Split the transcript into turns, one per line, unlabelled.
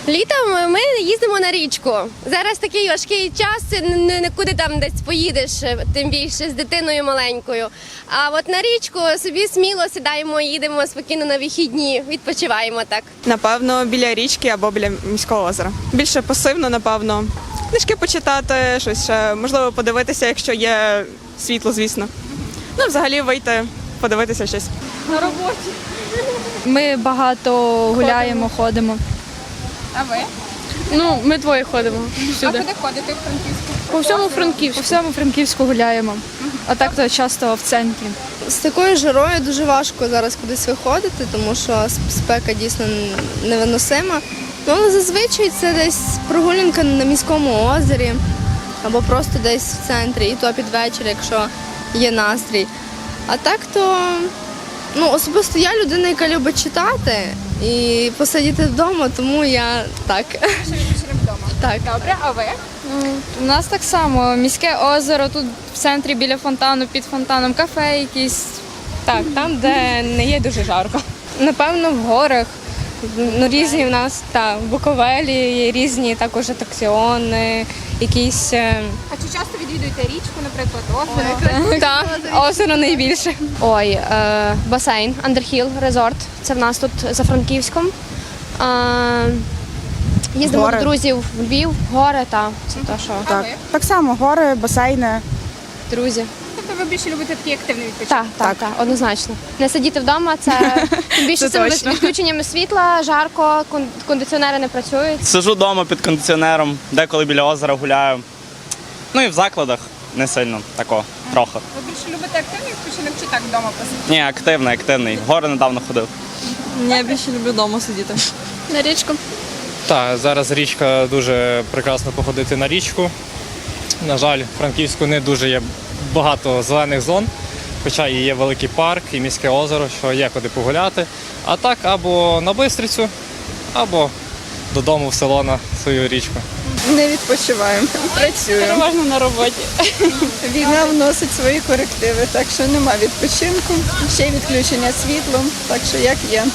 Літом ми їздимо на річку. Зараз такий важкий час, нікуди там десь поїдеш, тим більше з дитиною маленькою. А от на річку собі сміло сідаємо, їдемо спокійно на вихідні, відпочиваємо так.
Напевно, біля річки або біля міського озера. Більше пасивно, напевно. Книжки почитати, щось ще, можливо, подивитися, якщо є світло, звісно. Ну, взагалі вийти, подивитися щось.
На роботі.
Ми багато гуляємо, ходимо.
А ви?
Ну, ми двоє ходимо всюди.
А куди ходите в Франківську?
По всьому Франківську. По всьому Франківську гуляємо. А так то часто в центрі.
З такою жарою дуже важко зараз кудись виходити, тому що спека дійсно невиносима. Ну, але зазвичай це десь прогулянка на міському озері або просто десь в центрі, і то під вечір, якщо є настрій. А так то, ну, особисто я людина, яка любить читати і посидіти вдома, тому я так.
Що відпочинок вдома?
Так.
Добре, а ви?
У нас так само. Міське озеро, тут в центрі біля фонтану, під фонтаном, кафе якісь.
Так, там, де не є дуже жарко. Напевно, в горах. Ну, різні в нас, в Буковелі є різні також атракціони, якісь.
А чи часто відвідуєте річку, наприклад, озеро?
Так, озеро найбільше.
Ой, басейн, Андерхіл, резорт. Це в нас тут за Франківськом. Їздимо
Гори.
до друзів в Львів, гори, це те, що.
А ви?
Так само, гори, басейни.
Друзі.
Тобто ви більше любите такий активний відпочинок?
Так, однозначно. Не сидіти вдома, це тим більше
Це
з цими
точно.
відключеннями світла, жарко, кондиціонери не працюють.
Сижу вдома під кондиціонером, деколи біля озера гуляю. Ну і в закладах не сильно такого, трохи.
Ви більше любите активний відпочинок чи так вдома посидіти?
Ні, активний. В гори недавно ходив.
Я більше люблю вдома сидіти.
На річку.
Так, зараз річка дуже прекрасно походити на річку. На жаль, в Франківську не дуже є багато зелених зон, хоча і є великий парк, і міське озеро, що є куди погуляти. А так або на Бистрицю, або додому в село на свою річку.
Не відпочиваємо, працюємо.
Переважно на роботі.
Війна вносить свої корективи, так що нема відпочинку. Ще й відключення світлом, так що як є.